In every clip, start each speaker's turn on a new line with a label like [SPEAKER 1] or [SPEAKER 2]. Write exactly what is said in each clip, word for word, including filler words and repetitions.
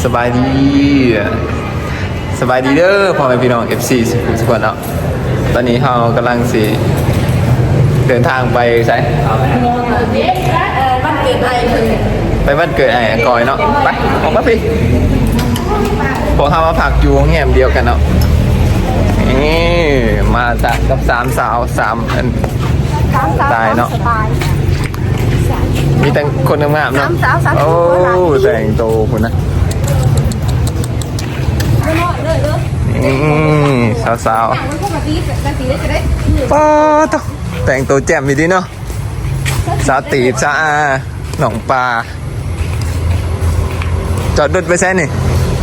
[SPEAKER 1] สบายดีสบายดีเด้อพ่อแม่พี่น้อง เอฟ ซี ทุกคนเนาะตอนนี้เรากำลังสิเดินทางไปใช่ไปบ้านเกิดไอ้กอยเนาะไปออกมาพี่พวกเขามาผักอยู่แง่มเดียวกันเนาะนี่มาจากกับสามสาวสามตายเนาะมีแต่คนงามๆเนาะโอ้แต่งโตคุณนะนี่สาวๆป้าต้องแต่งตัวแจ่มดีเนาะสาวตีบสาวอาหนองปลาจอดรถไปแซ่นี่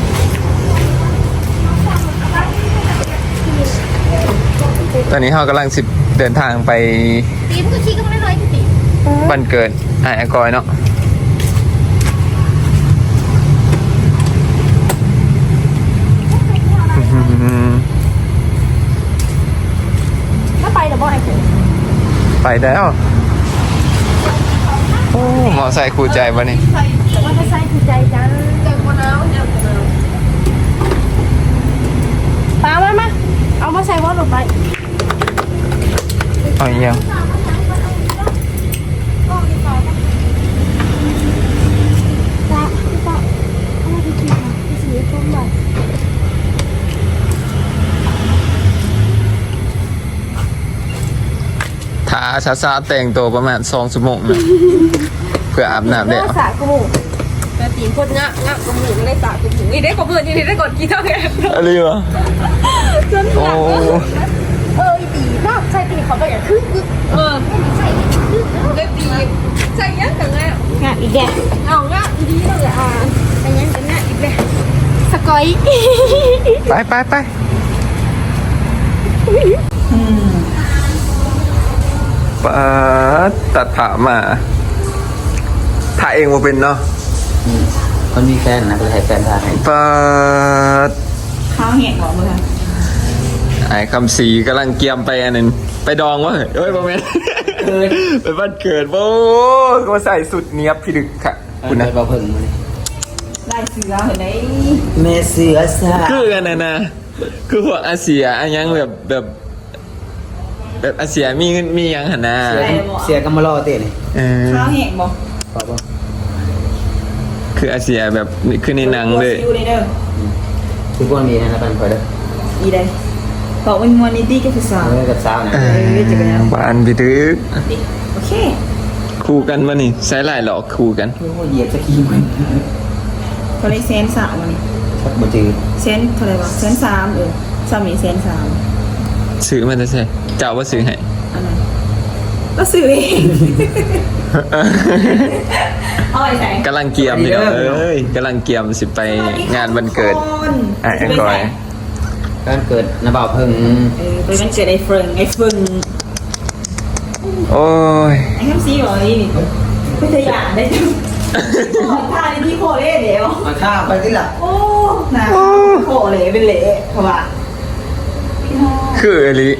[SPEAKER 1] ตอนนี้เรากำลังสิเดินทางไปบ้านเกิดไอ้กอยเนาะ
[SPEAKER 2] ไปหรือบ่ไอ้คุณ
[SPEAKER 1] ไปแล้วโอ้หมอใส่คู่ใจปะนี่
[SPEAKER 2] ว่าจะใส่คือใจจังจังมะนาวจังมะนาวปลามามาเอามาใส่ว่าลงไป
[SPEAKER 1] เอาอีกยังถ้าซาซาแต่งตัวประมาณสองชั่วโมงนะเพื่ออาบน้ำได้
[SPEAKER 2] เอาสระกูแต่ตีนคนงะงะกูหมูได้สระกูหมูนี่ได้กบเพื่อนนี่ได้กดกี่เท่าแก
[SPEAKER 1] อะไรวะ
[SPEAKER 2] จนหนักเออตีนอกใส่ตีเขาไปอย่างคึกคึกเออใส่คึกได้ตีใส่ยังกันแล้วงะอีกแกเอางะดีเลยอ่ะใส่ยังกันงะอีกแล้วสกอย
[SPEAKER 1] ไปไปไปปาตัดผ่ามาถ่ายเองมาเป็นเนาะ
[SPEAKER 3] คนมีแฟนนะก็ให้แฟนถ่ายให้
[SPEAKER 1] ปา
[SPEAKER 2] ข้าวแห้งหรอมึง
[SPEAKER 1] ไอ้คำสีกำลังเกียมไปอันนึงไปดองวะเฮ้ยโมเมนต์ไปบ้านเกิดโอ้ก็ใส่สุดเนี้ยพี่ดึกค่ะ
[SPEAKER 3] คุณนะเราเพิ่งมา
[SPEAKER 2] ได้เสือเห็นไหม
[SPEAKER 3] เมเสือซา
[SPEAKER 1] คือกันนะนะคือพวกอาเซียอันยังแบบแบบแบบอาเซียมีมียังหันหน้า
[SPEAKER 3] เสียกันมารอเต้นี่
[SPEAKER 2] ข้าวแห้งบ่
[SPEAKER 3] ป่ป่
[SPEAKER 1] คืออาเซียแบบคือในหนังเลย
[SPEAKER 3] คือพวกมีนะปันคอยเด้อ
[SPEAKER 2] อีได้บอกว่ามันนี่ดีกับสาว
[SPEAKER 3] กับสาวนะ
[SPEAKER 1] บ้านพี่ดึก
[SPEAKER 2] โอเค
[SPEAKER 1] คู่กันวะนี่ใช้ลายหลอกคู่กัน
[SPEAKER 3] เหยียบสกีมัน
[SPEAKER 2] เขาเลยเซนสามวันนี้
[SPEAKER 3] ชักบ่จือ
[SPEAKER 2] เซนเท่าไหร่วะเซนสามเออสามีเซนสาม
[SPEAKER 1] ซื้อมันจะใช่เจ้าว่าซื้อให้
[SPEAKER 2] อันไหนก็ซื้อเองเอาไปใส่
[SPEAKER 1] กำลังเกียมนี่เอ้ยกำลังเกียมสิไปงานวันเกิดไอ้ก้อย
[SPEAKER 3] การเกิดน้าบ่าวเพิ่ง
[SPEAKER 2] เออไปวันเกิดไอ้เฟิงไอ้เฟิง
[SPEAKER 1] โอ้ย
[SPEAKER 2] ไอ้คำซีบอกนี่ไม่เคยอยากได้จุ๊บท่าในที่โคเล่เดี๋ยว
[SPEAKER 3] มาท่าไปที่หลัง
[SPEAKER 2] โอ้นะโคเล่เป็นเละเขาว่า
[SPEAKER 1] คืออลิ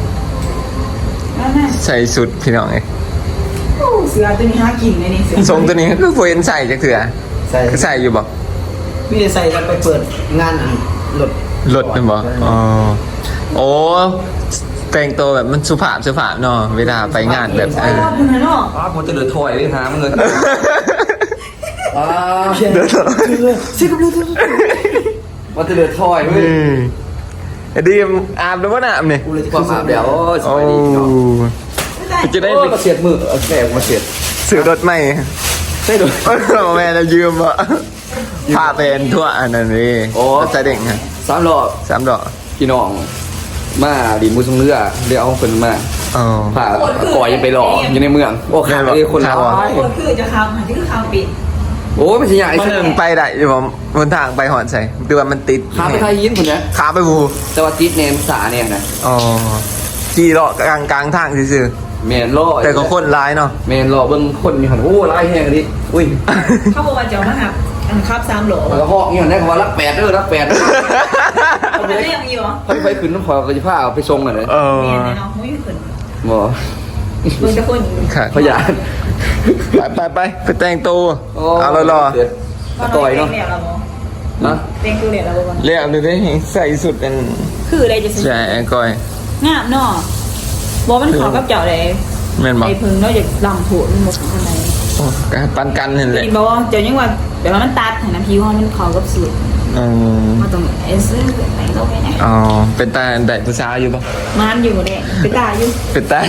[SPEAKER 1] ใส่สุดพี่น้องไง
[SPEAKER 2] เสือตัวนี้หากินเลยนี่เสือ
[SPEAKER 1] ทรงตัวนี้ก็ควรใส่จากเถื่อใส่ใส่อยู่บ่
[SPEAKER 3] พี่จะใส่แล้วไปเปิดงานหลด
[SPEAKER 1] หลดเป็นบ่อ๋อโอ้แต่งตัวแบบมันสุภาพสุภาพเนาะเวลาไปงานแบบเออ
[SPEAKER 3] อ๋อผมจะเดือดถอยเลยฮะมึงเลยอ๋อ
[SPEAKER 1] เดือดถอย
[SPEAKER 3] ชิคกี้พายว่าจะเดือดถอยเว้ย
[SPEAKER 1] ดีอาบแล้วว่าน้ำเนี่ย
[SPEAKER 3] กูเลยจะความอาบแล้ว
[SPEAKER 1] โอ้จะได้
[SPEAKER 3] มาเสียดมือแสบมาเสียด
[SPEAKER 1] ซื้อรถใหม่
[SPEAKER 3] ใช่ด้วย
[SPEAKER 1] แม่เรายืมอ่ะพาเป็นทั่วอันนั้นนี่
[SPEAKER 3] โอ้
[SPEAKER 1] ใส่เด็กฮะ
[SPEAKER 3] สามดอก
[SPEAKER 1] สามดอก
[SPEAKER 3] พี่น้องมาดีมือทรงเรือเดี๋ยวเอาคนมาผ่าก่อยยังไปหล่ออยู่ในเมืองโอ้ขาเลยคนละ
[SPEAKER 2] คนคือจะคำหันที่คือคำปิด
[SPEAKER 3] โอ้ไม่ใช่ใหญ่
[SPEAKER 1] มันไปได้อยู่ผมบนทางไปหอนใส่ดูว่ามันติด
[SPEAKER 3] ขาไปไทยยิ้มคนนี้
[SPEAKER 1] ขาไปบู
[SPEAKER 3] แต่ว่าติดเนมสาเนี่ยนะ
[SPEAKER 1] อ๋อขี่เลาะกลางกลางทางซื่อ
[SPEAKER 3] เมนล่อ
[SPEAKER 1] แต่ก็คนร้ายเนาะ
[SPEAKER 3] เมนล่อเบิ้งคนมีหันโอ้ร้ายแห้งดิอุ้ย
[SPEAKER 2] เขาบอกว่าเจ้ามาหักครับสามโหล
[SPEAKER 3] แล้วก็หอกนี่หันได้คำว่ารักแปดเด้อรักแปด
[SPEAKER 2] เขาไม่ได้ยังมีหรอ
[SPEAKER 3] เขาไปขึ้นน้ำพอก็จะพาเอาไปทรงกันเลย
[SPEAKER 1] เออ
[SPEAKER 2] เนาะไม่ขึ้น
[SPEAKER 3] บ่
[SPEAKER 2] มึงจะคน
[SPEAKER 1] ค่ะ
[SPEAKER 3] พยาน
[SPEAKER 1] ไปไปไปไปแต่งตัวเอารอรอ
[SPEAKER 3] ต่อยเนาะนะ
[SPEAKER 2] เต็งตัวเด็ดแล้วบ่
[SPEAKER 1] เรียกเลยได้ใส่สุดเป็น
[SPEAKER 2] คืออะไรจะ
[SPEAKER 1] ใช่ไอ้ก้อย
[SPEAKER 2] งามเนาะบ่มันขอกับเจ้าเลย
[SPEAKER 1] แม่นบอก
[SPEAKER 2] ไอ้พึ่งเนาะอยากลำผัวมันหมดข้างใน
[SPEAKER 1] ปันกันเห็นแหละ
[SPEAKER 2] กินบ่ว่าเจ้ายังว่าเดี๋ยวมันตัดให้น้ำผิวมันขอกับสูตร
[SPEAKER 1] อืม
[SPEAKER 2] มาตรงเอซื้อไปโลกไปไหน
[SPEAKER 1] อ๋อเป็นตาได้ผู้สาวอยู่ปะ
[SPEAKER 2] มันอยู่เด้ไปตายอยู่
[SPEAKER 1] เป็นตา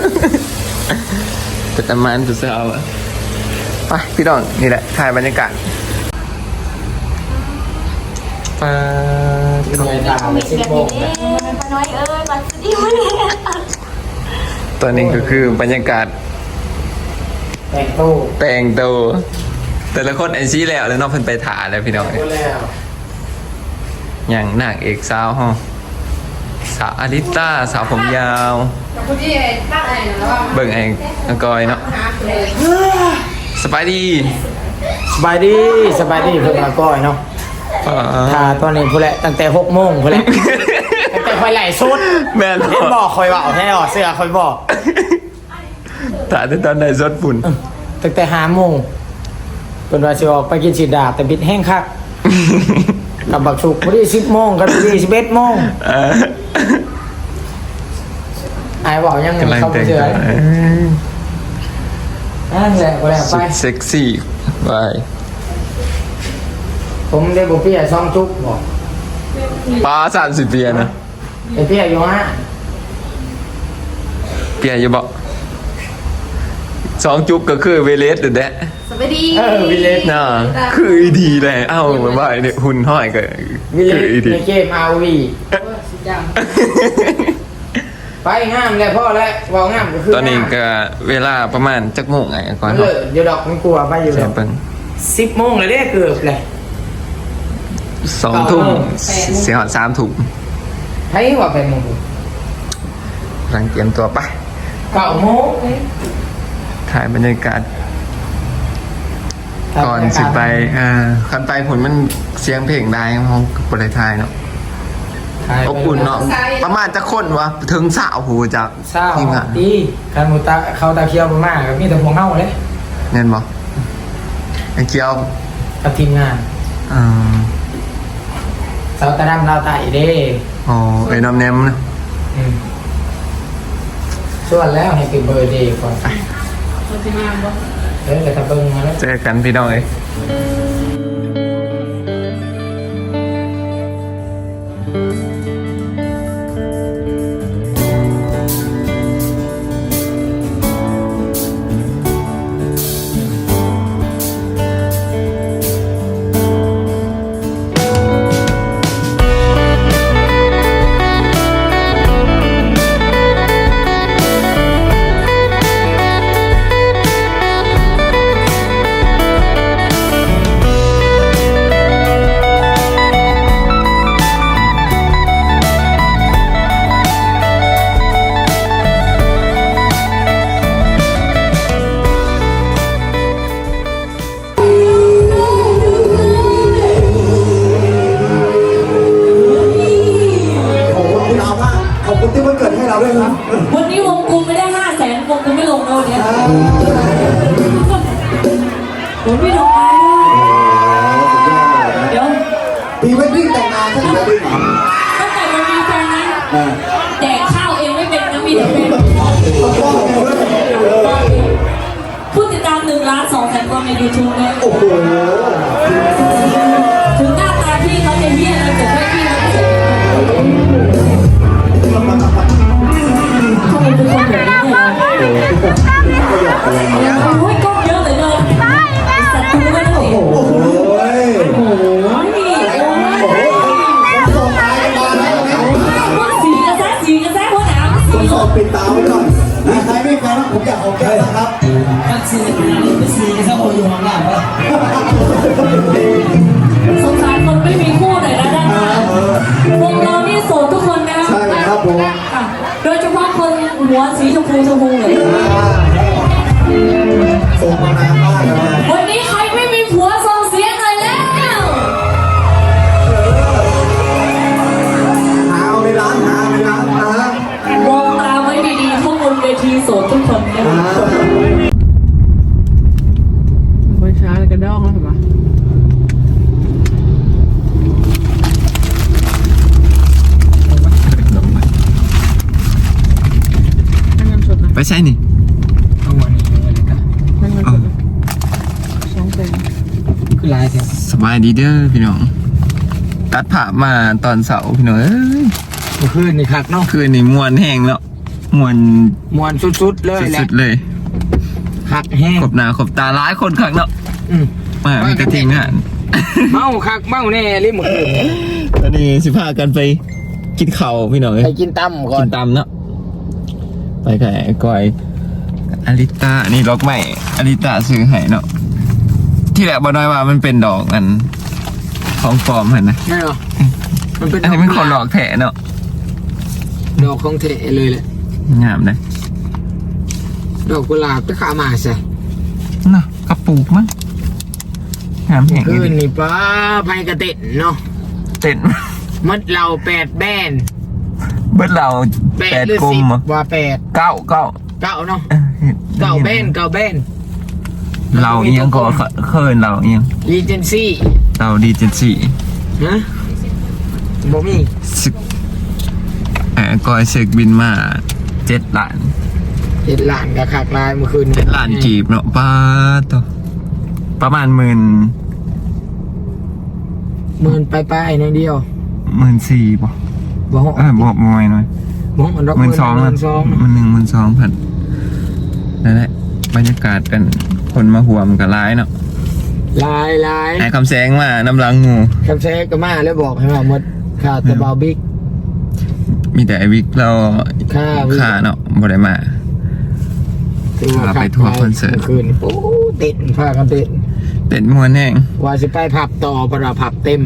[SPEAKER 1] เป็นตามันผู้สาวอะไปพี่น้องนี่แหละถ่ายบรรยากาศปา
[SPEAKER 4] ทำไมตามไปสิบโมงนะ
[SPEAKER 2] น้อยเอ้ยมาสิวะเนี่ย
[SPEAKER 1] ตอนนี้ก็คือบรรยากาศ
[SPEAKER 4] แต่งตู้
[SPEAKER 1] แต่งตัวแต่ละคนไอซี่แล้วแล้วน้องเพิ่นไปถ่ายแล้วพี่น้อง
[SPEAKER 4] ก็แล้ว
[SPEAKER 1] อย่างนางเอกสาวฮะสาวอลิต้าสาวผมยาวเบิ่งไอ้อังกอยเนาะสบายดี
[SPEAKER 4] สบายดีสบายดีเพื่อนมาก้อยเนาะ
[SPEAKER 1] อ่า
[SPEAKER 4] ถ้าตอนนี้พูดแหละตั้งแต่หกโมงพูดแหละตั้งแต่คอยไหลสุด
[SPEAKER 1] แม่น
[SPEAKER 4] เห็นบอกคอยบอกให้ออกเสื้อคอยบอก
[SPEAKER 1] ถ่ายแต่ตอนไหนสดฝุ่น
[SPEAKER 4] ตั้งแต่ห้าโมงเป็นว่าสิออกไปกินสีดาบแต่บิดแห้งคักกับบักชุกพอดีสิบโมงกับพอดีสิบเอ็ดโมง
[SPEAKER 1] เออ
[SPEAKER 4] ไอ้บอกยัง
[SPEAKER 1] กำลัง
[SPEAKER 4] เข้าไป
[SPEAKER 1] แต่ง
[SPEAKER 4] เจอ
[SPEAKER 1] ตัวเออ
[SPEAKER 4] นั่นแหละก็แล้วไป
[SPEAKER 1] สุดเซ็กซี่ไป
[SPEAKER 4] ผมได้บุเปียซองจุกบอก
[SPEAKER 1] ป้าสามสิบเปียนะ
[SPEAKER 4] ไอ้เปียอยู่ฮะ
[SPEAKER 1] เปียอยู่บอกสองจุ๊บก็คือเวเลสเด็ดแดะ
[SPEAKER 2] สวัสดี
[SPEAKER 4] เออวิเลส
[SPEAKER 1] น่าคืออีดีเลยเอ้าเหมือนว่าไอ้เนี่ยหุ่นห้อยก็
[SPEAKER 4] วิเล
[SPEAKER 1] คือ
[SPEAKER 4] ส
[SPEAKER 1] อีดี
[SPEAKER 4] ในเกมอาวี ไปงามเลยพ่อแล้ววางงามก็คือ
[SPEAKER 1] ตอนนี้ก็เวลาประมาณจักโมงไงก่อน
[SPEAKER 4] เล
[SPEAKER 1] เนาะ
[SPEAKER 4] ยเดี๋ยวดอกมันกลัวไปอยู่
[SPEAKER 1] เสี
[SPEAKER 4] แล้
[SPEAKER 1] ยว เปิ้ง
[SPEAKER 4] สิบโมงเลยเด้เกือบเลย
[SPEAKER 1] สองทุ่มเสียหอดสามทุ่ม
[SPEAKER 4] ให้ว่าเป็นโมง
[SPEAKER 1] กำลังเตรียมตัวไป
[SPEAKER 4] เก้าโมง
[SPEAKER 1] ถ่ายบรรยากาศก่อนสิไปอ่าคันไปผลมันเสียงเพลงได้ห้องบริไทยเนาะอบอุ่นเนาะประมาณจะคนวะถึงสาวหูจาก
[SPEAKER 4] เศร้า
[SPEAKER 1] ทีมงาน
[SPEAKER 4] ดีคันหมูตาเขาตาเคียวมากกับมีแต่พวงเฮาเลย
[SPEAKER 1] เน่นบอกไอ้เกียว
[SPEAKER 4] กับทีมงาน
[SPEAKER 1] อ่า
[SPEAKER 4] สาวตาดำลาวไต่เด้
[SPEAKER 1] อ๋อไอ้น้ำแนมนะ
[SPEAKER 4] อืมส่วนแล้วให้คือเบอร์เดย์ก่อนเออแต่ถ้าเบิ่งมาแล้ว
[SPEAKER 1] เจอกันพี่น้องเอ้ย
[SPEAKER 5] ขอบคุณเรามากขอบคุณที่วันเกิดให้เราด้วยครับ
[SPEAKER 2] วันนี้วงกูไม่ได้ห้าแสนวงกูไม่ลงแล้วเนี่ยผมไม่ลงแล้วเดี๋ยว
[SPEAKER 5] พรีเวดดิ้งแต่งงานใช่ไหมดิ้ง
[SPEAKER 2] ตั้งแต่มันมีแฟนนั้น
[SPEAKER 5] อ่า
[SPEAKER 2] แดกข้าวเองไม่เป็นนะมีแต่เป็นผู้ติดตามหนึ่งล้านสองแสนคนในยูทูบเลย
[SPEAKER 5] โอ้โห
[SPEAKER 2] ถึงหน้าตาพี่เขาจะเหี้ยอะไรแต่ไม่พี่เขาจะทำไมเป็นคนแบบนี้เนี่ยโอ้ยกล้องเยอะเลยเลยสัตว์ตัวไม่ได้
[SPEAKER 5] โอ้โห
[SPEAKER 2] โอ้โหนี่โอ้ย
[SPEAKER 5] ส่งตายกันมาแล้วนะ
[SPEAKER 2] ว่าสีกระแสสีกระแสหัวหนาวสี
[SPEAKER 5] ผมสอบปิดตาไว้ก่อนนะใครไม่แฟนนะผมอยากออกแค่นะครับ
[SPEAKER 2] สีกระแสสีกระแสหัวอยู่ข้างหลังวะ
[SPEAKER 1] ใช่นี่
[SPEAKER 4] เอาวันนี้เลยกัน
[SPEAKER 1] เออ
[SPEAKER 4] คือลายเดียว
[SPEAKER 1] สบายดีเด้อพี่น้องตัดผ่ามาตอนเสาร์พี่น้องเอ้ย
[SPEAKER 4] เมื่อคืนนี่คักเนาะ
[SPEAKER 1] คืนนี้มวนแห้งแล้วมวน
[SPEAKER 4] มวนสุดๆเลยแหละ
[SPEAKER 1] สุดๆเลย
[SPEAKER 4] คักแห้ง
[SPEAKER 1] ขบหน้าขบตาหลายคนคักเนาะ
[SPEAKER 4] อืม
[SPEAKER 1] มามีแต่ทีมงาน
[SPEAKER 4] เมาคักเมาแน่เลยเมื่อคืน
[SPEAKER 1] ตอนนี้สิพากันไปกินข้าวพี่น้องเอ้ย
[SPEAKER 4] ไปกินตั้มก่อ
[SPEAKER 1] กิ
[SPEAKER 4] น
[SPEAKER 1] นตำเนาะไปกับไอ้ก้อยอลิตานี่ล็อกใหม่อลิตาซื้อให้เนาะที่แรกบอกน้อยว่ามันเป็นดอกอันของปลอมเห็นนะ
[SPEAKER 4] ไม่หรอมันเป็น
[SPEAKER 1] อันนี้มันคนหลอกแถเนาะ
[SPEAKER 4] ดอกของเทเลยแหละ
[SPEAKER 1] งามเลย
[SPEAKER 4] ดอกกุหลาบจะขามาใส่
[SPEAKER 1] เนาะกระปุกมั้งงามแห่ง
[SPEAKER 4] คืน
[SPEAKER 1] นี้
[SPEAKER 4] นี่ป้าไพกระเต็นเนาะ
[SPEAKER 1] เต็น
[SPEAKER 4] มัดเราแปดแบน
[SPEAKER 1] เบิดเรา
[SPEAKER 4] แป
[SPEAKER 1] แป
[SPEAKER 4] ด
[SPEAKER 1] ด
[SPEAKER 4] หรือก
[SPEAKER 1] ล
[SPEAKER 4] สิ
[SPEAKER 1] ม
[SPEAKER 4] บ
[SPEAKER 1] เหรอ
[SPEAKER 4] ว่าแปด
[SPEAKER 1] เก้าเก้า
[SPEAKER 4] เก้าเนาะ
[SPEAKER 1] เออ
[SPEAKER 4] เก้าแบนเก้าแบน
[SPEAKER 1] เราเอียงก็เคินเราเอียง
[SPEAKER 4] รีเจนซี่
[SPEAKER 1] เราดีเจนสี่
[SPEAKER 4] ฮะบ่มี
[SPEAKER 1] สึกแอบก้อยเสกบินมาเจ็ดล้าน
[SPEAKER 4] เจ็ดล้านกับขากลายเมื่อคืน
[SPEAKER 1] เจ็ดล้านกีบเนาะป้าตัวประมาณหมื่น
[SPEAKER 4] หมื่นไปไปๆหน่อยเดียว
[SPEAKER 1] หมื่นสี่ป่ะ
[SPEAKER 4] บ่ฮอด
[SPEAKER 1] เออบอกมวยหน่อย
[SPEAKER 4] บ่ฮอดดอก
[SPEAKER 1] หมื่นสอง
[SPEAKER 4] ห
[SPEAKER 1] นะ
[SPEAKER 4] มื่นสอง
[SPEAKER 1] มันหนึ่งหมื่นสองพันนั่นแหละบรรยากาศเป็นคนมาห่วมกับร้ายเนาะ
[SPEAKER 4] ลายลาย
[SPEAKER 1] ไอ้คำแสงมาน้ำลังงู
[SPEAKER 4] คำแซกก็มาแล้วบอกให้ว่าหมดค่าตะเบาบิ๊ก
[SPEAKER 1] มีแต่ไอวิกเรา
[SPEAKER 4] ค่าวิก
[SPEAKER 1] ค่าเนาะบ่ได้มา
[SPEAKER 4] ถือว่า
[SPEAKER 1] พาไปทัวร์คอนเสิร์ต
[SPEAKER 4] มื่คืนโอ้เต้นพากันเต้น
[SPEAKER 1] เต็นมวนแห้ง
[SPEAKER 4] ว่าสิไปผับต่อเพราะว่าผับเต็ม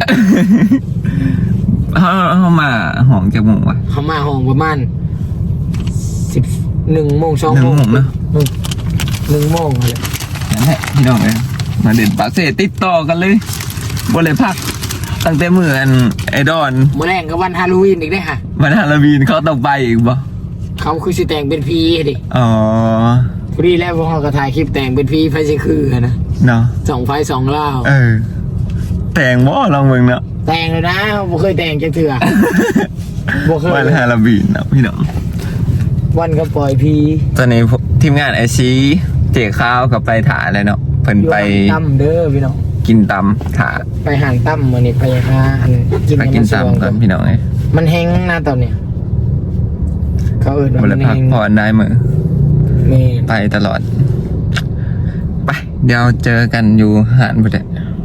[SPEAKER 1] เขาเขามาห้องจากหมู่วะ
[SPEAKER 4] เขามาห้องประมาณสิบหนึ่งโมงสอง
[SPEAKER 1] หนึ่ง
[SPEAKER 4] โมง
[SPEAKER 1] โมงเนอะ
[SPEAKER 4] อืมหนึ่งโมงอะไร
[SPEAKER 1] นั่นแหละพี่น้องเลยมาเด่นปากเสติดต่อกันเลยบ่เลยพัก ตั้งแต่เมื่ออันไอดอน
[SPEAKER 4] เมื่อแรงก็วันฮาโลวีนอีกได้อค่ะ
[SPEAKER 1] วันฮาโลวีนเขาต้องไปอีกบ่
[SPEAKER 4] เขาคือสิแต่งเป็นพีดิ
[SPEAKER 1] อ๋อ
[SPEAKER 4] พอดีแล้วพวกเขาก็ถ่ายคลิปแต่งเป็นพีไฟสิคือนะ
[SPEAKER 1] เนาะ
[SPEAKER 4] สองไฟสองเล่า
[SPEAKER 1] เออ แต่งบ่ลองเบิ่งเนาะ
[SPEAKER 4] แต่งเลยนะบ่เคยแต่งจังเถื่อ บ่เคย
[SPEAKER 1] วันฮาโลวีนเนาะพี่น้อง
[SPEAKER 4] วันก็ปล่อยพี
[SPEAKER 1] ตอนนี้ทีมงานไอซีเจ๊ข้าวกับไปถ่ายเลยเนาะเพิ่น
[SPEAKER 4] อยู่
[SPEAKER 1] ไป
[SPEAKER 4] ห่างตั้มเด้อพี่น้อง
[SPEAKER 1] กินตำถ่า
[SPEAKER 4] ไปห่างตั้มวันนี้ไปหาอันกิน
[SPEAKER 1] ไปกิน
[SPEAKER 4] ำมัสวง
[SPEAKER 1] ตำกันพี่น้องเอ้ย
[SPEAKER 4] มันแห้งนะตอนเนี้ยเขาเอิ้นว่า
[SPEAKER 1] บ่
[SPEAKER 4] มั
[SPEAKER 1] ได้
[SPEAKER 4] น
[SPEAKER 1] พัก
[SPEAKER 4] แห้ง
[SPEAKER 1] ผ่อนได้มื้อ
[SPEAKER 4] แม่
[SPEAKER 1] ไปตลอด ไป เดี๋ยวเจอกันอยู่หาดบุตร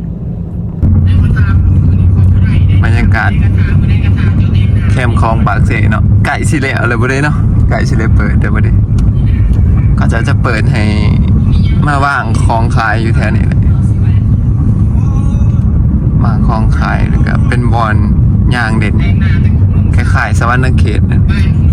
[SPEAKER 1] บรรยากาศแคมป์คลองปากเสเนาะไก่สิเละอะไรบุได้เนาะไก่สิเละเปิดแต่บุได้ก็จะจะเปิดให้มาว่างคลองขายอยู่แถวนี้เลยมาคลองขายแล้วก็เป็นบอลยางเด่นคล้ายๆสวรรค์เขตนะ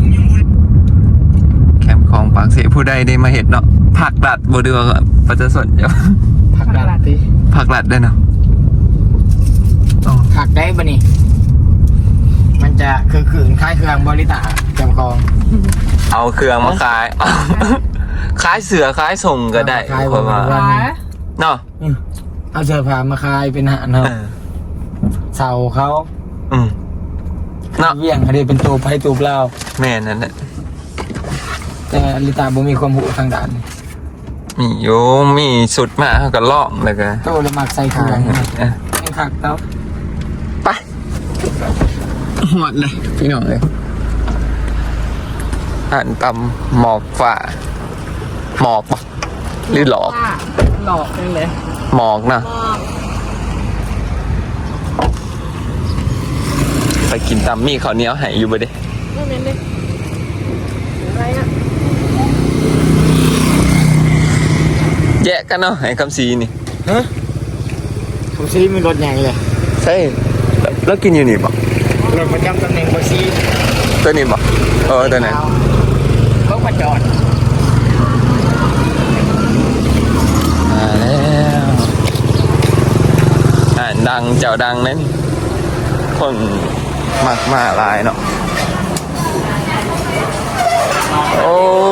[SPEAKER 1] แคมป์คลองปากเสผู้ใดได้มาเห็ดเนาะผักดัดบดีว่าประจะสนจะ
[SPEAKER 4] ผักดัดติ
[SPEAKER 1] ผักดัดได้เนาะอ๋อ
[SPEAKER 4] ผักได้ปะนี่มันจะคือขืนคล้ายเครื่องบริตาจำกอง
[SPEAKER 1] เอาเครื่องมาขาย ขายเสือขายส่งก็ได้
[SPEAKER 4] ขาย
[SPEAKER 1] เพราะว่า
[SPEAKER 4] วันนี้
[SPEAKER 1] เนาะ
[SPEAKER 4] อืมเอาเสื้อผ้ามาคายเป็นอาหารเนาะ
[SPEAKER 1] เออ
[SPEAKER 4] เสาเขา
[SPEAKER 1] อืมเนาะ
[SPEAKER 4] เวี่ยงอันนี้เป็นตัวไผ่ตัวเปล่า
[SPEAKER 1] แม่นั่นแหละ
[SPEAKER 4] แต่อลิตาบ่มีความหูทางด้านนี้
[SPEAKER 1] มีโยมีสุดมาเขาก็ล่องเลยกัน
[SPEAKER 4] โตเลยมักใส่เครื่องยังคักเต้า
[SPEAKER 1] ไปหอดเลยพี่น้องเลยหันตำหมอกฝ่าหมอกปะหรือหลอก
[SPEAKER 2] ว่าหลอกกันเลย
[SPEAKER 1] หมอกนะไปกินตำมีข้าวเหนียวใหายอยู่บ่เด้
[SPEAKER 2] ไม่เป็นเลยอะไรอ่ะ
[SPEAKER 1] แยกกันเนาะให้คำซีนี่
[SPEAKER 4] ฮะผมซีมีรถใหญ่เลย
[SPEAKER 1] ใช่แล้วกินอยู่นี่ปะ
[SPEAKER 4] รถประจำตำแหน่งบซี
[SPEAKER 1] ตัวนี้ปะเออตัวไหน
[SPEAKER 4] เขามาจอด
[SPEAKER 1] มาแล้วอ่านดังเจ้าดังนั้นคนมากมาหลายเนาะโอ้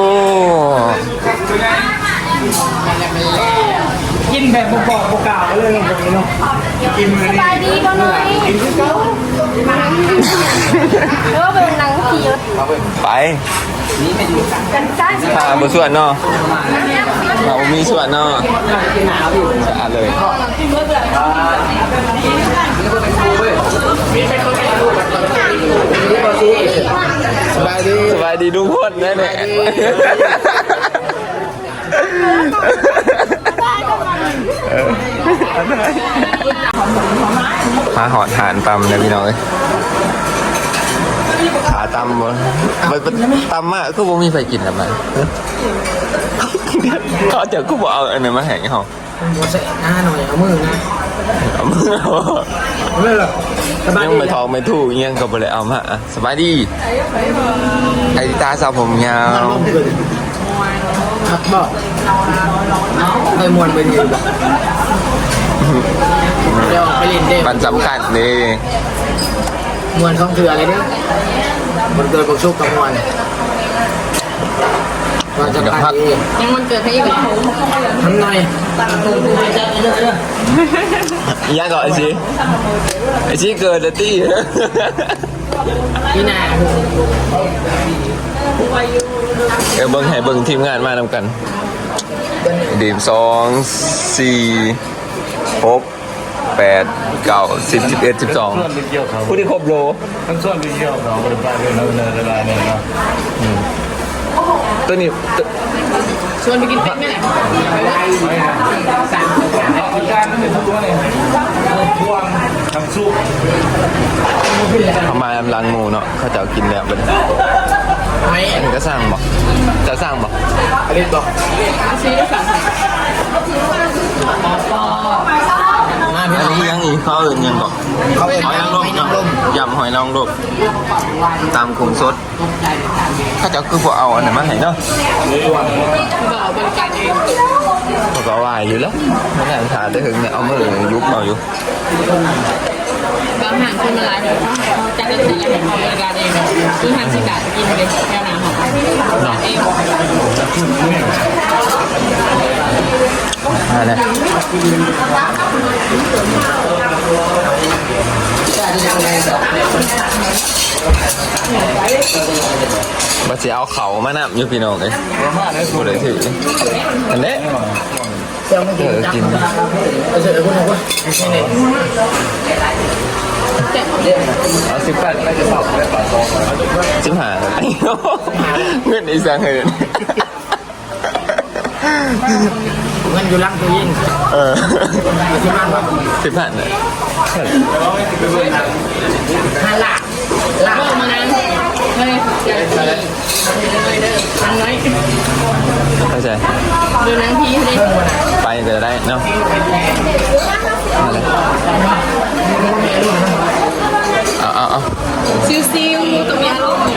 [SPEAKER 4] กินแบบบอกบอกกล่าวเลยตรงนี้เนาะกินมือ
[SPEAKER 2] สบายดีบ่หน่อย
[SPEAKER 4] กินคือเก่า
[SPEAKER 2] เออเป็นนางผี
[SPEAKER 1] ไป
[SPEAKER 2] กันใต้
[SPEAKER 1] พาบส่วนเนาะเรามีส่วนเนาะสะอาดเลยสบายดีสบายดีทุกคนนะเนี่ยมาหอดหานตำเลยพี่น้องเอ้ยขาตำบ่มันตำมากก็บ่มีไฟกินทำไมเขาจะก็บอกเอาอันนั้นมาแห่งเขา
[SPEAKER 4] หัวใส่หน้าหน่อยเอามือนะ
[SPEAKER 1] เอามือเอา
[SPEAKER 4] เอามือเหรอสบาย
[SPEAKER 1] ยัง
[SPEAKER 4] ดี
[SPEAKER 1] ไม่ทองไม่ถูกยังก็บ่เลยเอามาอะสบายดีไอ้ตาสาวผมยาว
[SPEAKER 4] ครับบอกไปมวนไปยืนบอกเดี๋ยวไปเล่นเด้
[SPEAKER 1] มันสำคัญนี่
[SPEAKER 4] มวนของเถื่ออะไรเนี่ยมันเกิดบกชุกกับมวนว่าจะพักดี
[SPEAKER 2] ยังมันเกิดให้อีกแล้ว
[SPEAKER 4] ทำหน่อย
[SPEAKER 1] ยังก่อนไอ้ชีไอ้ชีเกิดแล้วตี้
[SPEAKER 4] พี่นา
[SPEAKER 1] เออเบิ้งให้เบิ้งทีมงานมานำกันดีมสองสี่หกแปดเก้าสิบสิบเอ็ดสิบสองผู้ที่ครบโล
[SPEAKER 6] ทั้งส่วนไปเที่ยวเขาบริการเดินเนินเวลาเนี่ยเนาะ
[SPEAKER 1] ตัวนี้ตัว
[SPEAKER 2] ชวนไปกินเป็ดไหมเนี่ย
[SPEAKER 6] การมันเป็นทุกตัวเนี่ยพวงทำซุป
[SPEAKER 1] เขามาลำลังหมูเนาะเขาจะเอากินแล้วเป็น
[SPEAKER 4] ไม่
[SPEAKER 1] อันนี้ก็สร้างบอกจะสร้างบอก
[SPEAKER 4] อะไรบอก
[SPEAKER 2] ซื้อได้สั่ง
[SPEAKER 4] มา
[SPEAKER 1] อั
[SPEAKER 4] พี่
[SPEAKER 1] น
[SPEAKER 4] น้อง
[SPEAKER 1] นี้ยังอีกเขาอื่นยังบอก
[SPEAKER 4] เขาเป็น
[SPEAKER 1] หอยนางรม
[SPEAKER 4] น้ำลม
[SPEAKER 1] ยำหอยนางรมตามกลุ่มสดเขาจะคือพวกเอาอันไหนมาให้เนาะ
[SPEAKER 2] เราบริการเอง
[SPEAKER 1] เขาก็ว่าอยู่แล้วไม่ได้ถามได้ถึงเนี่ยเอามือยุบเอาอยู่
[SPEAKER 2] บางห่างคนมาหลายเดี๋ยวจะได้ที่เราบริการเองคือทางสิกากินเลยแก้วน้ำของร้านเอง
[SPEAKER 1] อะไรบัดเสียเอาเขามานะอยู่พี่น้องเลยกูเลยถืออันนี้
[SPEAKER 4] เจ้าไม่กินจังเอาเสร็จแล้วคุณบอกว่าไม่ใช่เนี่ย
[SPEAKER 1] เอาสิบแปดไปจะสอบได้ปะสิบห้าเงินอีสังเหิน
[SPEAKER 4] เงินอยู่ลังตัวยิง
[SPEAKER 1] เออ
[SPEAKER 4] ที่บ้านว่า
[SPEAKER 1] สิบห้าเนี่ย
[SPEAKER 4] ห้าหลักหลัก
[SPEAKER 2] เมื่อมานั้นเฮ้ยอย่าเลยเลยทางน้อย
[SPEAKER 1] เข้าใจ
[SPEAKER 2] ดูนางพีเลย
[SPEAKER 1] ไปก็จะได้เนาะเอาเอาเอา
[SPEAKER 2] ซิวซิวตัวมีอารมณ์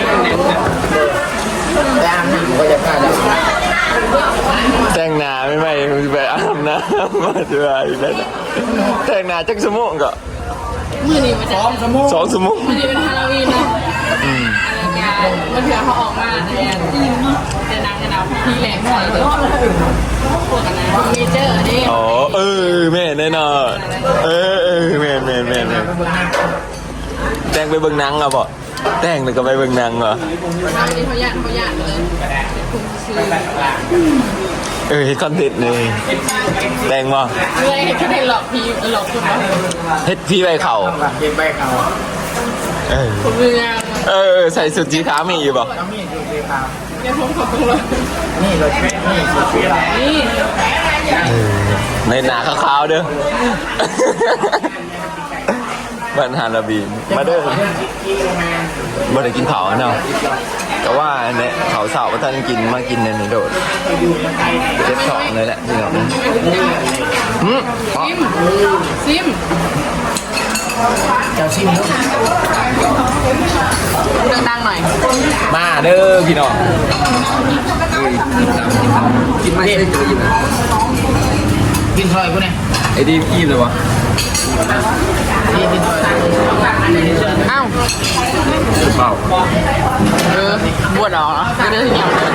[SPEAKER 4] แต่อาบน้ำก็จะกล้าจะ
[SPEAKER 1] แต่งหน้าไม่ไม่ไปอาบน้ำมาด้วยแล้วแต่งหน้าจักสมองก็
[SPEAKER 2] มือนี้มันจะ
[SPEAKER 4] สองสมุน
[SPEAKER 1] สองสมอง
[SPEAKER 2] มือนี้เป็นฮาโลวีนเนาะอะไรกันมันเถื่อเขาออกมาเนี่ยจะนางจะนาวพี่แหลงใส่เลยพวกกันนะเมเจอร์นี่
[SPEAKER 1] อ๋อเออแม่แน่นอนเออเออแม่แม่แม่แม่แต่งไปเบิ่งหนังอ่ะบ่แต่งแล้วก็ไปเบิ่งหนังเหรอ
[SPEAKER 2] เขานี่เขาหยาดเขาหยาดเลยคุณซื้อ
[SPEAKER 1] เออเฮ็ดคอนเทนต์เลยแต่งบ่
[SPEAKER 2] เมื่อให้คิดให้หลอกพี่หลอกคุณวะ
[SPEAKER 1] เฮ็ดพี่ใบเข่า
[SPEAKER 4] เก็บใบเขา
[SPEAKER 1] เออ
[SPEAKER 2] ผมเรื่อง
[SPEAKER 1] เออใส่สุดสีขาวมีอยู่บ่
[SPEAKER 4] ต้องมีดูสีขาว
[SPEAKER 2] แกผมขอบคุณเลย
[SPEAKER 4] นี่รถนี่สีขาว
[SPEAKER 2] นี่
[SPEAKER 1] ในหนาขาวๆเด้อบ้านฮาราบีมาเด้อบ่ได้กินเผาเนาะแต่ว่าเนี่ยเขาเสาร์ท่านกินมากินในนี้โดดเจ็บสองเลยแหละพี่น้องหืมอ๋อ
[SPEAKER 2] ซิม
[SPEAKER 4] เจ้าชิมลูก
[SPEAKER 2] ดังๆหน่อย
[SPEAKER 1] มาเด้อพี่น้อง
[SPEAKER 3] กินไม่ได้เจออยู่นะ
[SPEAKER 4] กินซอยกูเนี่ย
[SPEAKER 1] ไอ้ดีพี่เลยวะ
[SPEAKER 4] นี่กินซอย
[SPEAKER 2] อ้าว
[SPEAKER 1] เปล่า
[SPEAKER 2] เออบวชเหรอไม่ได้ที่เหนียวเลย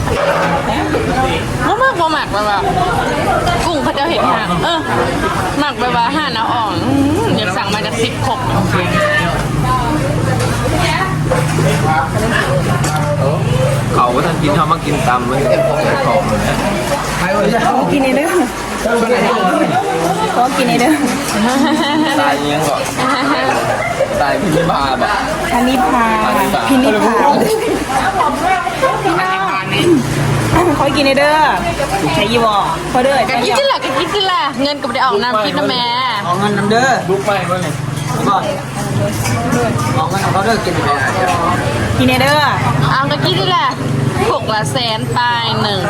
[SPEAKER 2] มากมากหมักแบบกุ้งเขาจะเห็นห่างเออหมักแบบว่าห่านเอาอ่อนอยากสั่งมาจากสิบขบ
[SPEAKER 1] กินเขามากินตำมันของเลย
[SPEAKER 2] ขอกินเด้อขอกินเด้อ
[SPEAKER 1] ตายยังก่อนตายพิมพาแบบ
[SPEAKER 2] อันนี้พาพินิพาขอกินเด้อใช้ยี่วอขอเด้อ
[SPEAKER 7] กะคิดที่ละกะคิดที่ละเงินกับได้ออกน้ำคิดนะแม่
[SPEAKER 4] เอาเงินนำเด้อ
[SPEAKER 1] ลุกไหมวะเนี่ย
[SPEAKER 4] ก่อนเอาเงินของเขาเด้อกินไป
[SPEAKER 2] กินเด้อ
[SPEAKER 7] เอากะคิดที่ละหกละแสนปลายหนึ่ง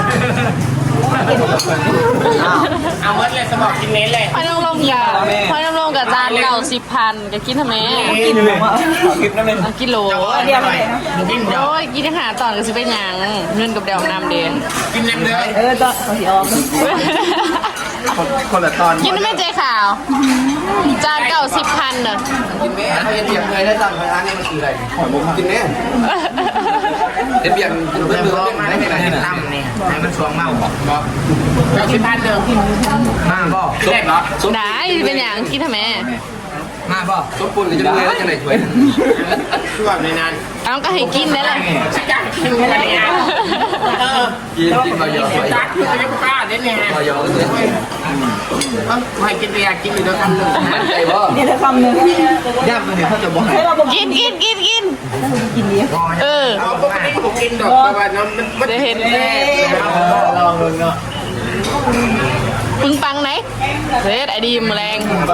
[SPEAKER 1] เอาเมื่อไรสมองกินเน้นเลย
[SPEAKER 7] พอยน้ำลงกับพอยน้ำลงกับจานเก่าสิบพันกะคิดทำไม
[SPEAKER 1] กินเลยกินนั่นเอง
[SPEAKER 7] เอากิโล
[SPEAKER 2] เดียวเลย
[SPEAKER 1] กินเดียว
[SPEAKER 7] โอ้ยกินอาหารตอนก็สิเป็นหยังเงินกับเดวน้ำเดน
[SPEAKER 1] กินเล็มเลย
[SPEAKER 2] เออตอนเขาสิออก
[SPEAKER 1] คนละตอน
[SPEAKER 7] กินไม่ใจขาว จานเก่าสิบพันเนอะ
[SPEAKER 3] กินแม่เขาเบียงเลยได้สั่งไปร้านนี้มันคืออะไรผมกินแม่เห็นเบียงกินเพื่อนเพื่อนได้ไหนไหน
[SPEAKER 1] ตั้มนี่ให้มันสวงเมาบอกบอกเก้าสิบพันเดิมมาบ่เด็กเหรอ
[SPEAKER 7] ได้เป็นหยังกินทำไม
[SPEAKER 1] มาบ่
[SPEAKER 3] สมปูนก็จะรวยแล้วจะไหนช่วย
[SPEAKER 1] ช่วงในนั้น
[SPEAKER 7] เอาก็ให้กินได้เลย
[SPEAKER 1] จักกินกันเนี่ยเออ
[SPEAKER 3] กินกินมาเยอะ
[SPEAKER 1] จักคือจะกล้าเด็ดเนี่ย
[SPEAKER 3] มาเยอะเลย
[SPEAKER 1] เออให้กินไปอยากกินอยู่แล้วกันเลย
[SPEAKER 3] มั่นใจว่า
[SPEAKER 2] นี่เธอคำนึง
[SPEAKER 1] ย่ำเลยเขาจะบอกให้
[SPEAKER 2] ให้เราบอก
[SPEAKER 7] กินกินกินกินเออ
[SPEAKER 1] เอาปกติผมกินดอกแต่ว่าน้ำมันมัน
[SPEAKER 7] ได้เห็น
[SPEAKER 1] แน่ลองดูเนาะ
[SPEAKER 7] ปึงปังไหนเฮ้ยไอดีมแรง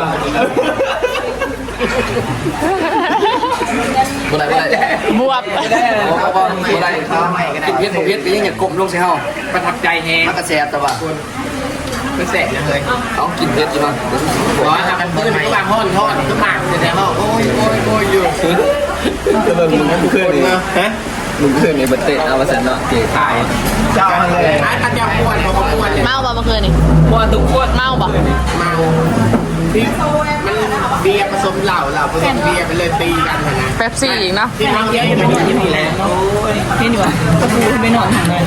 [SPEAKER 3] บ่ได้บ่ได้
[SPEAKER 7] บวบ
[SPEAKER 3] บ่ได้บ่ได้กินเพี้ยนผมเพี้ยนไปยังอย่ากลมลงใส่เฮา
[SPEAKER 1] ประทับใจแฮง
[SPEAKER 3] มันกระแสแต่ว่า
[SPEAKER 1] เป็นแสบยังเลย
[SPEAKER 3] ต้องกินเพี้ยนอยู่มั้ง
[SPEAKER 1] ขอทำเป็นพื้นก็บางห้อนทอดก็หมากแต่ว่าโอ้ยโอ้ยโอ้ยอยู่จะเบิ่งมึงมึงขึ้นนี่ฮะมึงขึ้นนี่บัตเตะเอามาสันเนาะเก๋ขายเจ้าเลยไอ้ตันยาปวดพอเขาปวดเนี่ย
[SPEAKER 7] เมาบ่เมื่อคืนนี่
[SPEAKER 1] ปวดทุกปวด
[SPEAKER 7] เมาบ่
[SPEAKER 1] เมาที่มันเบียร์ผสมเหล้าเหล้าผสมเบียร์ไปเลยตีกันนะ
[SPEAKER 7] เป๊ปซี่อีกเนาะ
[SPEAKER 1] ที่น้องเยอะอยู่ในที่นี่แหละ
[SPEAKER 2] นี่ดีกว่าตะปูไม่นอนทางไหน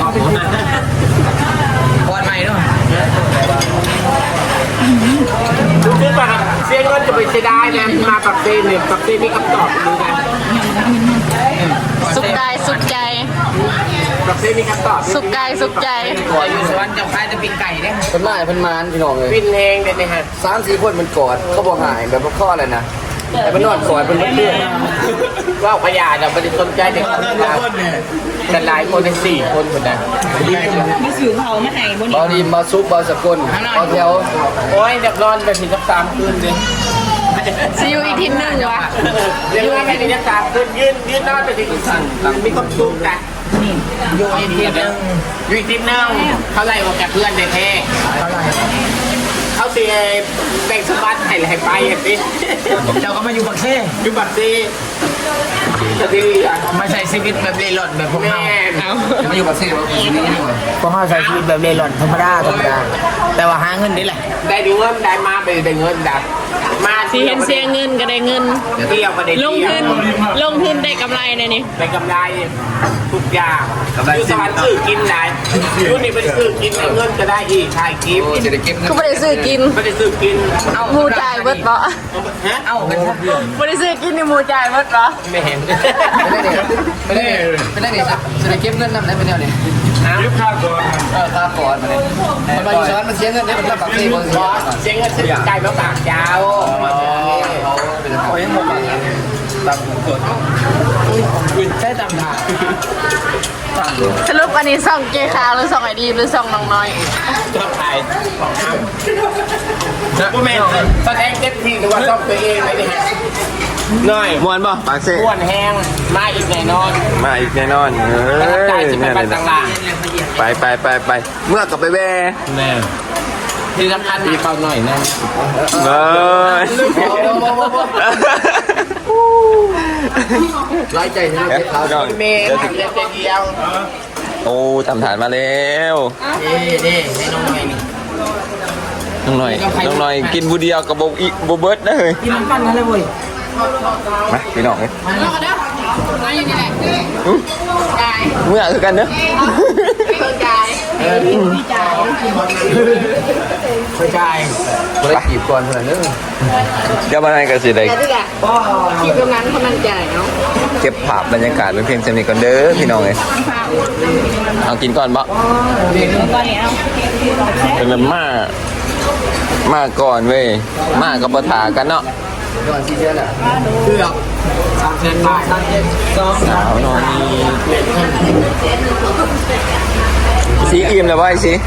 [SPEAKER 1] ปวดใหม่ด้วยคือแบบเสียเงินจะไปเสียดายนะมาปักเซนเนี่ยปักเซนมีคำตอบดูกัน
[SPEAKER 7] สุขกายสุขใจ
[SPEAKER 1] ปักเซนมีคำตอบ
[SPEAKER 7] สุขกายสุขใจ
[SPEAKER 1] ก่อนอยู่สวรรค์จะขายจะปิ้งไก่เนี่ย
[SPEAKER 3] เพิ่นมาเพิ่นมานพี่น้องเลย
[SPEAKER 1] ปิ้นแหงเด็ดเลยฮะ
[SPEAKER 3] สามสี่คนมันกอดเขาบอกหายแบบว่าข้ออะไรนะแต่มันนอนกอดเป็นเพื่อน
[SPEAKER 1] ว่าพยาเราไม่ได้สนใจเด็กคนนี้แต่หลายคนในสี่คนคนนั้น
[SPEAKER 2] มีสื่อเขามาให้บน
[SPEAKER 3] บอดีมาซุปบอสกลบอแถว
[SPEAKER 1] โอ้ยเด็กนอนไปถึงสักสามคืนเลย
[SPEAKER 7] ซีอูอีกทีหนึ่งวะ
[SPEAKER 1] เรียกว่าไปถึงสักสามคืนยืนยืนนอนไปถึงสั่งมีความสุขกันอยู่อีกทีนึงอยู่อีกทีนึงเขาไล่ออกจากเพื่อนเด็กแท้เขาเสียแบ่งสมบัติให้ให้ไปอ่ะสิ
[SPEAKER 4] เจ้าก็มาอยู่บักเซ่
[SPEAKER 1] อยู่บัตรซีจะดีอ่ะ
[SPEAKER 4] มาใช้ชีวิตแบบเร่ร่อนแบบพวก
[SPEAKER 1] แม่
[SPEAKER 4] เรา
[SPEAKER 3] จะมาอยู่กับเซ่ว่าปีนี้นี่หว่า
[SPEAKER 4] พวกเราใช้ชีวิตแบบเร่ร่อนธรรมดาธรรมดาแต่ว่าหาเงินนี่แหละ
[SPEAKER 1] ได้ดูเงินได้มาไปได้เงินดับมา
[SPEAKER 7] สีเห็นเสียเงินก็ได้เงิน
[SPEAKER 1] เที่ยวมาได้
[SPEAKER 7] ลง
[SPEAKER 1] เที่ยว
[SPEAKER 7] ทุนลงทุนได้กำไรในนี่
[SPEAKER 1] ได้กำไรทุกอย่างคือสวรรค์ซื้อกินได้รุ่นนี้เป็นซื้อกินได้เงินจะได้อีกขายกิฟต์
[SPEAKER 3] โอ้จะได้เก็บเงิน
[SPEAKER 7] ก็ไม่ได้ซื้อกิน
[SPEAKER 1] ไม่ได้ซื้อกินเอา
[SPEAKER 7] หมูจ่ายเบิดเปาะ
[SPEAKER 1] ฮะเอา
[SPEAKER 7] ไม่ได้ซื้อกินนี่หมูจ่ายเบิดเปาะ
[SPEAKER 1] ไม่เห็น
[SPEAKER 3] ไม่ได้ไม่ได้ไม่ได้จะได้เก็บเงินนำได้เป็นแนวนี้
[SPEAKER 1] ยุบข้าวก่อน
[SPEAKER 3] เออค่าก่อนมาเลยมันมาอยู่ซ้อนมันเสียเงินได้มันรับบักเซ่บอส
[SPEAKER 1] บอสเสียงเงินซื้อไก่มาฝากยาว
[SPEAKER 3] เป็นเขายังหมดบัก
[SPEAKER 1] ตามกฎใช่ตามทาง
[SPEAKER 7] สรุปอันนี้ส่องเกคาวหรือส่องไอดีหรือส่องน้องน้อย
[SPEAKER 1] ชอบถ่ายผู้แม่แสดงเต็มที่หรือว่าชอบตัวเองไหมเนี่ยน้อย
[SPEAKER 8] มวนป่ะปากเซ่
[SPEAKER 1] อ้วนแห้งมาอีกแน่นอน
[SPEAKER 8] มาอีกแน่นอนเอ
[SPEAKER 1] ประทับใจ
[SPEAKER 8] ้ย
[SPEAKER 1] ที่เป็
[SPEAKER 8] เนี่
[SPEAKER 1] น
[SPEAKER 8] ย
[SPEAKER 1] บ้าน
[SPEAKER 8] เลย
[SPEAKER 1] ต่าง
[SPEAKER 8] ไปไปไปไปเมื่อกลับไปแว่
[SPEAKER 1] ๆแน่ที่สำคัญมีเขาหน่อยนะ
[SPEAKER 8] เอ้ย
[SPEAKER 3] ร้ายใจใช่ไหมเขา
[SPEAKER 8] ก่อน
[SPEAKER 1] เมย์ทำเดียวเดียว
[SPEAKER 8] โอ้ทำฐานมาแล้ว
[SPEAKER 1] เด้เด้ให้น้องหน่อยนี่
[SPEAKER 8] น้องหน่อยน้องหน่อยกินบูเดียวกับโบอีโบเบิร์ดนะเฮ้ย
[SPEAKER 4] กินน้ำกันนั่นเลยเว้ย
[SPEAKER 8] มาพี่น้องเอ้ย
[SPEAKER 7] น้องก็เด้อน้องยังไง
[SPEAKER 8] เมื่อคือกันเนอะ
[SPEAKER 7] เพิ่งจ่าย
[SPEAKER 4] ไปจ่าย
[SPEAKER 3] บ่ได้จีบก่อนเท่านั้นเด้อ
[SPEAKER 8] เดี๋ยวมาให้กันสิได้
[SPEAKER 2] แต่ที่อะที่ตรงนั้นเขามันใจเนาะ
[SPEAKER 8] เก็บภาพบรรยากาศเป็นเพียงสนิทกันเด้อพี่น้องเลยเอากินก่อนบ่เป็นแบบมามาก่อนเว้ยมากับปะถากันเนาะ
[SPEAKER 3] ก่อนที่จะน่ะ
[SPEAKER 4] เกือบสามเซนบาทสามเซนสอง
[SPEAKER 8] สาวน้อยสีอิ่มแล้วบ่ไอ้สี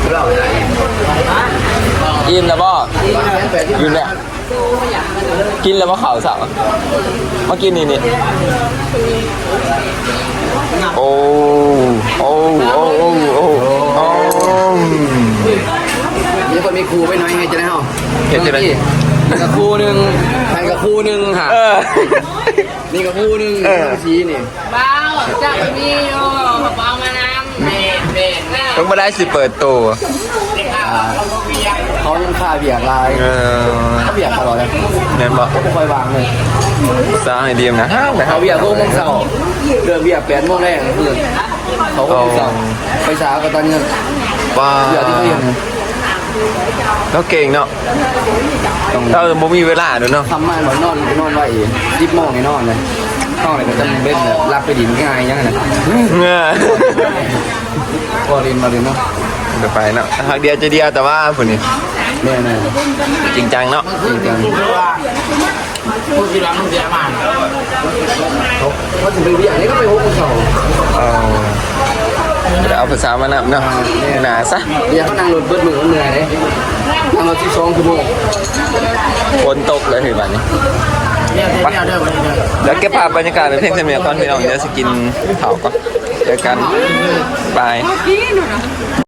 [SPEAKER 8] อิ่มแล้วบ่อิ่มแล้วกินแล้วบ่ข่าวสาวมากินนี่นี่โอ้โอ้โอ้โอ้โอ้โอ้
[SPEAKER 3] มีคนมีครูไปหน่อยให้จะได้เฮา
[SPEAKER 8] เห็นจะได้
[SPEAKER 3] นี่กับครูหนึงใครกับครูหนึงค่ะ
[SPEAKER 8] เออ
[SPEAKER 3] นี่กับครูหนึงชี้นี่
[SPEAKER 2] บ้าจะมีโอ้บ้ามาน้ำเบ็ดเบ็ดแม่
[SPEAKER 8] ต้องมาได้สิเปิดตัว
[SPEAKER 3] เขายังค่าเบียกลาย
[SPEAKER 8] เออ
[SPEAKER 3] เขาเบียกตลอดเลย
[SPEAKER 8] เน้นบอก
[SPEAKER 3] ไม่ค่อยวางเลย
[SPEAKER 8] สร้างไอเดียมนะห้ามนะครั
[SPEAKER 3] เขา
[SPEAKER 8] บ
[SPEAKER 3] เบียกโมงเสาร์เดือนเบียกแปดโมงแรกคือเขาก็เสาร์ไปเช้าก็ตอนเงิน
[SPEAKER 8] ว้า
[SPEAKER 3] เบียกที่เขาเรียน
[SPEAKER 8] แล้วเก่งเนาะเราบ่มีเวลาด้วยเนาะ
[SPEAKER 3] ทำมาหมอนอนนอนไว้ยิบโมงไงนอนเลยนอนเลยก็จะเล่นรับไปดินง่ายยังไงนะ
[SPEAKER 8] เงื่อ
[SPEAKER 3] พอเรียนมาเรียนเนาะ
[SPEAKER 8] เดี๋ยวไปเนาะหักเดียวจะเดียวแต่ว่าผุนี่
[SPEAKER 3] แน่แน่
[SPEAKER 8] จริงจังเนาะ
[SPEAKER 3] จริงจัง
[SPEAKER 4] พูดทีหลังมึงเสียมา
[SPEAKER 3] เขาเขาถึงไปเบียกนี่ก็ไปหกโมงเสาร์
[SPEAKER 8] เอาเดี๋ยวเอาภาษามานำเนาะหนาซะ
[SPEAKER 3] เบียกเขานั่งรถเบิดมือเขาเหนื่อยเลยนั่งรถที่สองชั่วโมง
[SPEAKER 8] ฝนตกเลยถึงวันนี้
[SPEAKER 4] เนี่ยเดี๋ยวเดี๋ยวเดี๋ยว
[SPEAKER 8] แล้วเก็บภาพบรรยากาศเป็นเพลงเสมียก่อนพี่น้องเดี๋ยวสกินเผาก่อนเจอกันบาย